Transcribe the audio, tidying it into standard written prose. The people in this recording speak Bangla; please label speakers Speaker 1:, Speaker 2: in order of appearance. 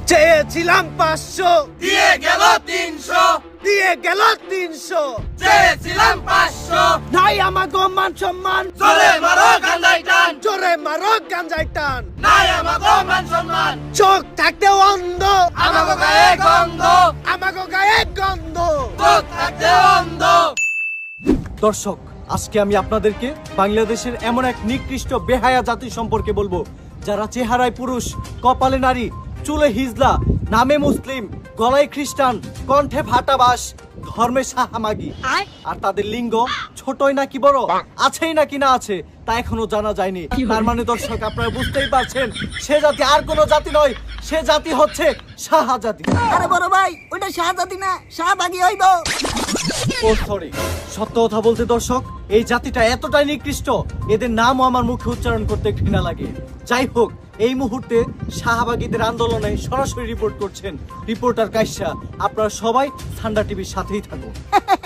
Speaker 1: চেয়েছিলাম 500,
Speaker 2: দিয়ে গেল 300,
Speaker 1: দিয়ে গেল 300।
Speaker 2: চেয়েছিলাম 500,
Speaker 1: নাই আমাগো মান সম্মান,
Speaker 2: জোরে মারো গান্জাই টান,
Speaker 1: জোরে মারো গাঞ্জাই টান।
Speaker 2: নাই আমাগো মান সম্মান,
Speaker 1: চোখ থাকতে অন্ধ,
Speaker 2: আমাগো গায়ে গন্ধ,
Speaker 1: আমাগো গায়ে গন্ধ।
Speaker 2: চোখ থাকতে অন্ধ।
Speaker 3: দর্শক, আজকে আমি আপনাদেরকে বাংলাদেশের এমন এক নিকৃষ্ট বেহায়া জাতি সম্পর্কে বলবো, যারা চেহারায় পুরুষ, কপালে নারী, চুলে হিজলা, নামে মুসলিম, গলায় খ্রিস্টান, কণ্ঠে ভাটাবাস, ধর্মে সাহামাগি। আর তাদের লিঙ্গ ছোটই নাকি বড়, আছেই নাকি না আছে তা এখনো জানা যায়নি। তার মানে দর্শক, আপনারা বুঝতেই পারছেন, সে জাতি আর কোনো জাতি নয়, সে জাতি হচ্ছে সাহা জাতি।
Speaker 4: আরে বড় ভাই, ওটা শাহজাদি না, শাহবাগি হইব।
Speaker 3: ও সরি, সত্য কথা বলতে দর্শক, এই জাতিটা এতটাই নিকৃষ্ট, এদের নামও আমার মুখে উচ্চারণ করতে ঘৃণা লাগে। যাই হোক, এই মুহূর্তে শাহবাগীদের আন্দোলনে সরাসরি রিপোর্ট করছেন রিপোর্টার কাইসা। আপনারা সবাই ঠান্ডা টিভির সাথেই থাকুন।